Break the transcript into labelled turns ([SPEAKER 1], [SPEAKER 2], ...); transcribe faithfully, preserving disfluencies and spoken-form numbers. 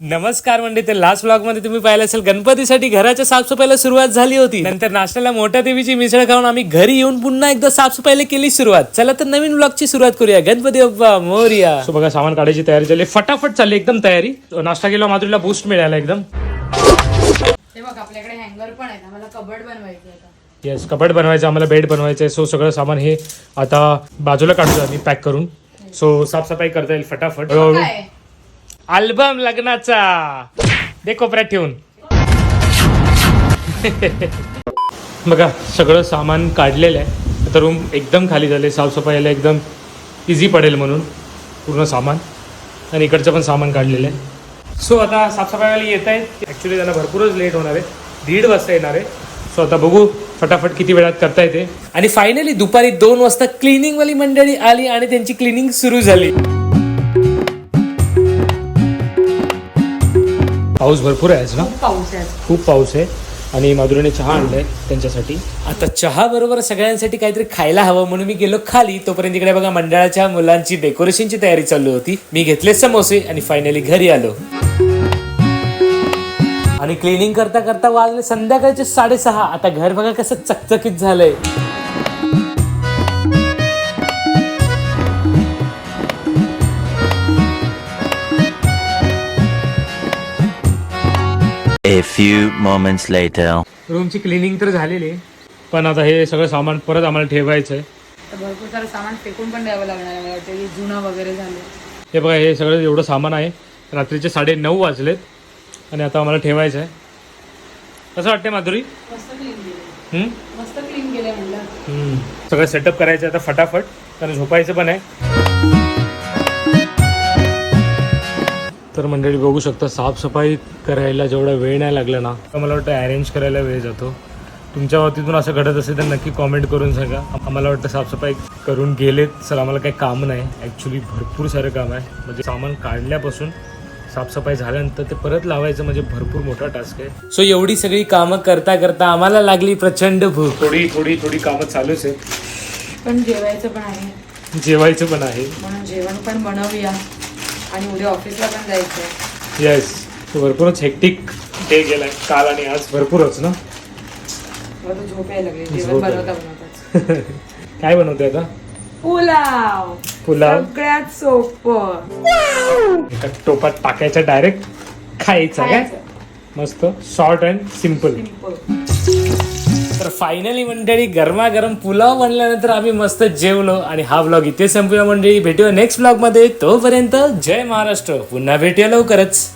[SPEAKER 1] नमस्कार मंडळी, ते लास्ट ब्लॉग मध्ये तुम्ही पाहिलं असेल गणपतीसाठी घराच्या साफसफाईला सुरुवात झाली होती. नंतर नाश्त्याला मोठ्या देवीची मिसळ खाऊन आम्ही घरी येऊन पुन्हा एकदा साफसफाईला केली सुरुवात. चला तर नवीन ब्लॉगची सुरुवात करूया. गणपती बाप्पा मोरया. सो बघा, सामान काढायची तयारी झाली, फटाफट चालली एकदम तयारी. नाश्ता केला, माधुरीला बूस्ट मिळाला एकदम.
[SPEAKER 2] हे बघ, आपल्याकडे हँगर पण आहे, आम्हाला कबर्ड बनवायचं आहे.
[SPEAKER 1] येस, कपाट बनवायचं, आम्हाला बेड बनवायचं आहे. सो सगळं सामान हे आता बाजूला काढतो आम्ही पॅक करून. सो साफसफाई करता येईल फटाफट. अल्बम लग्नाचा दे कोपऱ्यात ठेवून. बघा, सगळं सामान काढलेलं आहे. आता रूम एकदम खाली झाले, साफसफाईला एकदम इझी पडेल म्हणून पूर्ण सामान. आणि इकडचं पण सामान काढलेलं आहे. सो आता साफसफाईवाले येत आहेत. ॲक्च्युली त्यांना भरपूरच लेट होणार आहे, दीड वाजता येणार आहे. सो आता बघू फटाफट किती वेळात करता येते. आणि फायनली दुपारी दोन वाजता क्लिनिंगवाली मंडळी आली आणि त्यांची क्लिनिंग सुरू झाली. पाऊस भरपूर आहे ना,
[SPEAKER 2] खूप पाऊस आहे,
[SPEAKER 1] खूप पाऊस आहे. आणि माधुरीने चहा आणलाय त्यांच्यासाठी. आता चहा बरोबर सगळ्यांसाठी काहीतरी खायला हवं म्हणून मी गेलो खाली. तोपर्यंत इकडे बघा, मंडळाच्या मुलांची डेकोरेशनची तयारी चालू होती. मी घेतले समोसे आणि फायनली घरी आलो. आणि क्लिनिंग करता करता वाजले संध्याकाळचे साडेसहा. आता घर बघा कसं चकचकीत झालंय.
[SPEAKER 3] A few moments later.
[SPEAKER 1] रूमची क्लिनिंग तर झालेली आहे, पण आता हे सगळं सामान परत आम्हाला ठेवायचं आहे.
[SPEAKER 2] तर भरपूर सारं सामान फेकून पण द्यावं लागणार आहे. मला वाटतं की जुनं वगैरे झालं.
[SPEAKER 1] हे बघा, हे सगळं एवढं सामान आहे. रात्रीचे साडे नऊ वाजलेत आणि आता आम्हाला ठेवायचं आहे. कसं वाटतंय माधुरी?
[SPEAKER 2] मस्त क्लीन केलं,
[SPEAKER 1] हम्म?
[SPEAKER 2] मस्त क्लीन केलं म्हणलं.
[SPEAKER 1] हम्म. सगळं सेटअप करायचं आता फटाफट, कारण झोपायचं पण आहे. तर मंडळी बघू शकता, साफसफाई करायला जेवढा वेळ नाही लागला ना, तर मला वाटतं अरेंज करायला वेळ जातो. तुमच्या बाबतीतून असं घडत असेल तर नक्की कॉमेंट करून सांगा. आम्हाला वाटतं साफसफाई करून गेलेत सर, आम्हाला काही काम नाही. ॲक्च्युली भरपूर सारं काम आहे. म्हणजे सामान काढल्यापासून साफसफाई झाल्यानंतर ते परत लावायचं म्हणजे भरपूर मोठा टास्क आहे. सो एवढी सगळी कामं करता करता आम्हाला लागली प्रचंड भूक. थोडी थोडी थोडी कामं चालूच आहे,
[SPEAKER 2] पण जेवायचं पण आहे,
[SPEAKER 1] जेवायचं पण आहे.
[SPEAKER 2] म्हणून जेवण पण बनवूया. आणि उद्या ऑफिसला पण जायचं.
[SPEAKER 1] येस, भरपूरच हेक्टिक डे गेलाय काल आणि आज, भरपूरच ना.
[SPEAKER 2] मला तर झोप यायला लागली जेवण बनवता बनवताच.
[SPEAKER 1] काय बनवते आता?
[SPEAKER 2] पुलाव.
[SPEAKER 1] पुलाव
[SPEAKER 2] सगळ्यात सोपं.
[SPEAKER 1] एका टोपात टाकायचं, डायरेक्ट खायचं. काय मस्त, शॉर्ट अँड सिम्पल. तर फायनली मंडळी, गरमागरम पुलाव बनल्यानंतर आम्ही मस्त जेवलो. आणि हा ब्लॉग इथे संपूया मंडळी. भेटूया नेक्स्ट ब्लॉग मध्ये. तोपर्यंत जय महाराष्ट्र. पुन्हा भेटूया लवकरच.